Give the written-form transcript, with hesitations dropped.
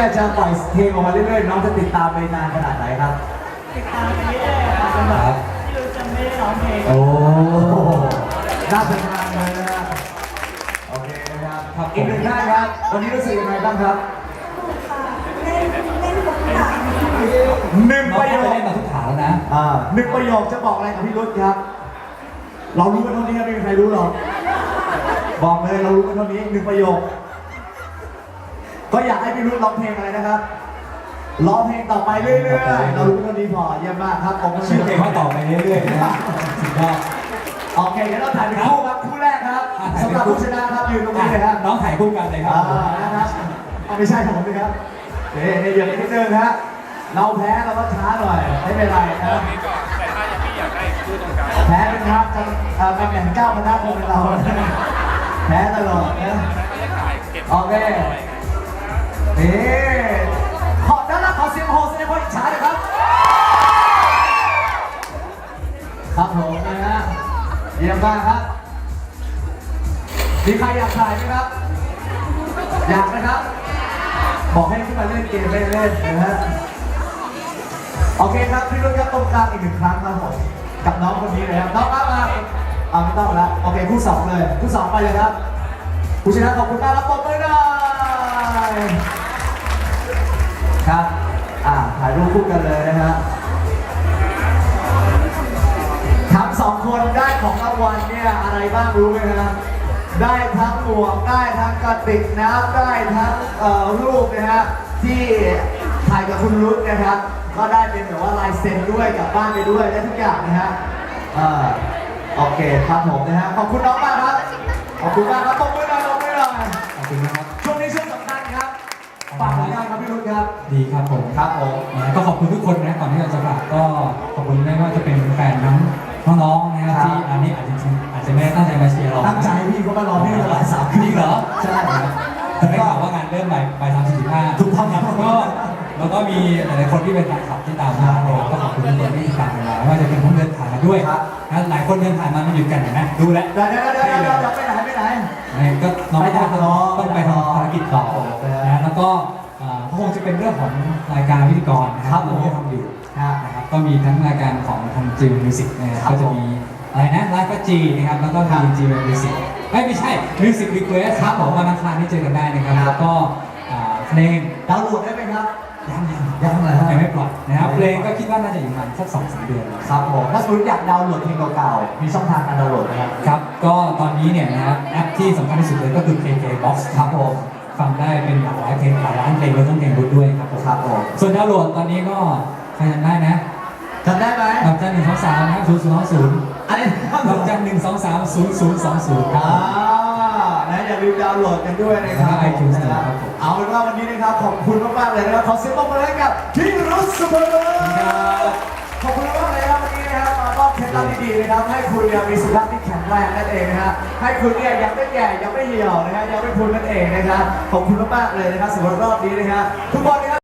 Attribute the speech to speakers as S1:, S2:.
S1: เนี่ยจะปล่อยเพลงออกมาเรื่อยๆน้องจะติดตามไปนานขนาดไหนครับ
S2: ติดตามไปเรื่อยๆค่ะจนแบบที่รู้จะไม่ได้ร้องเพลง
S1: โอ้น่าเป็นงานเลยนะโอเคนะครับอีกหนึ่งท่านครับวันนี้รู้สึกยังไงบ้างครับ
S3: เล่นทุกอย่าง
S1: หนึ่งประโยค
S4: เล่นมาทุกฐานแล้วนะ
S1: หนึ่งประโยคจะบอกอะไรกับพี่รุธครับเรารู้กันเท่านี้ไม่มีใครรู้หรอกบอกเลยเรารู้กันเท่านี้หนึ่งประโยคก็อยากให้พี่รุธร้องเพลงอะไรนะครับร้องเพลงต่อไปเรื่อยๆเรารู้เท่านี้พอเยี่ยมมากครับผม
S4: ชื่อเพลงว่าต่อไปเรื่อยๆนะสุดยอด
S1: โอเคเดี๋ยวเราถ่ายเป็นคู่ครับคู่แรกครับสำหรับผู้ชนะครับยืนตรงนี้เลยครับ
S4: น้องถ่ายคู่กันเลยครับ
S1: นะครับไม่ใช่ผมเลยครับเนี่ยเดี๋ยวนิดนึงฮะเราแพ้เราก็ช้าหน่อยไม่เป็นไรนะ
S5: แต่ถ้าอย่างพี่อยากได้คู่ตรงกลาง
S1: แพ้เป็นครับตำแหน่งเจ้าคณะคงเป็นเราแพ้ตลอดนะโอเคนี่ขอด้านล่างขอเสียงโฮแสดงความอิจฉาหน่อยครับครับผมนะฮะเยี่ยมมากครับมีใครอยากถ่ายไหมครับอยากนะครับบอกให้ขึ้นมาเล่นเกมเล่นๆนะฮะโอเคครับพี่รุ่นครับตรงกลางอีกหนึ่งครั้งครับผมกับน้องคนนี้เลยครับน้องมาไม่ต้องแล้วโอเคคู่สองเลยคู่สองไปเลยครับผู้ชนะขอบคุณมากรับปมมือหน่อยครับถ่ายรูปคู่กันเลยนะฮะทั้งสองคนได้ของรางวัลเนี่ยอะไรบ้างรู้ไหมครับได้ทั้งหมวกได้ทั้งกระติกน้ำได้ทั้งรูปนะฮะที่ถ่ายกับคุณรุ่นนะครับก็ได้เป็นแบบว่าลายเซ็นด้วยกลับบ้านไปด้วยได้ทุกอย่างนะฮะโอเคครับผมนะฮะขอบคุณน้องมากครับขอบคุณมากครับตบมือหน่อยตบมือหน่อย
S4: ขอบคุณนะครับ
S1: ช่วงนี้ช่วงสำคัญครับฝากผลงานครับพี่รุ่นครับ
S4: ดีครับผม
S1: ครับผม
S4: ก็ขอบคุณทุกคนนะก่อนที่เราจะฝากก็ขอบคุณไม่ว่าจะเป็นแฟนน้องๆนะครับที่อันนี้อาจจะไม่ได้ตั้งใจมาเชียร์เรา
S1: ตั้งใจพี่เขามารอที่เรา3 คืน
S4: เหรอ
S1: ใช่
S4: แต่ได้ข่าวว่างานเริ่มบ่าย3:45
S1: ถูกต้องครับ
S4: แล้วก็มีหลายคนที่เป็นแฟนคลับที่ตามมาก็ขอบคุณทุกคนที่ติดตามมาว่าจะเป็นคนเดินผ่านมาด้วยนะหลายคนเดินผ่านมามันอยู่กันเห็นไหมดูแล
S1: เดี๋ยวไปไหน
S4: ก็น้องต้องไปทำภารกิจต่อนะแล้วก็คงจะเป็นเรื่องของรายการพิธีกรนะครับที่ทำอยู่นะครับก็มีทั้งรายการของทางจีมิวสิกนะครับก็จะมีอะไรนะไลฟ์ก็จีนะครับแล้วก็ทางจีมิวสิกไม่ใช่มิวสิกรีเควสครับผมวันอังคารที่เจอกันได้นะครับแล้วก็เพลง
S1: ดาวน์โหลดได้ไหมครับ
S4: ยังเลยยังไม่ปล่อยนะครับเพลงก็คิดว่าน่าจะอยู่ประมาณสัก2-3 เดือน
S1: ครับผมถ้าสมมติอยากดาวน์โหลดเพลงเก่าๆมีช่องทางการดาวน์โหลดนะครับ
S4: ครับก็ตอนนี้เนี่ยนะครับแอปที่สำคัญที่สุดเลยก็คือ KKBOX ครับผมฟังได้เป็นหลากหลายเพลงหลายล้านเพลงแล้วต้องเพลงรุ่นด้วยครับผมส่วนดาวน์โหลดตอนนี้ก็ใครจำได้นะ
S1: จำได้ไหม
S4: ดอกจัน123นะครับ0020
S1: อะไร
S4: ดอกจัน1230020
S1: นะอย่าลืมดาวน์โหลดกันด้วยนะครับ
S4: ไอจูนส์นะครับ
S1: เอาเป็นว่าวันนี้นะครับขอบคุณมากๆเลยนะครับขอเสียงปรบมือให้กับพี่รุ่นเสมอขอบคุณมากเลยครับวันนี้นะครับมามอบเคล็ดลับดีๆนะครับให้คุณมีสุขภาพที่แข็งแรงนั่นเองนะฮะให้คุณเนี่ยยังไม่แก่ยังไม่เหี่ยวนะฮะยังไม่พุนนั่นเองนะครับขอบคุณมากๆเลยนะครับสำหรับรอบนี้นะฮะทุกคนนะครับ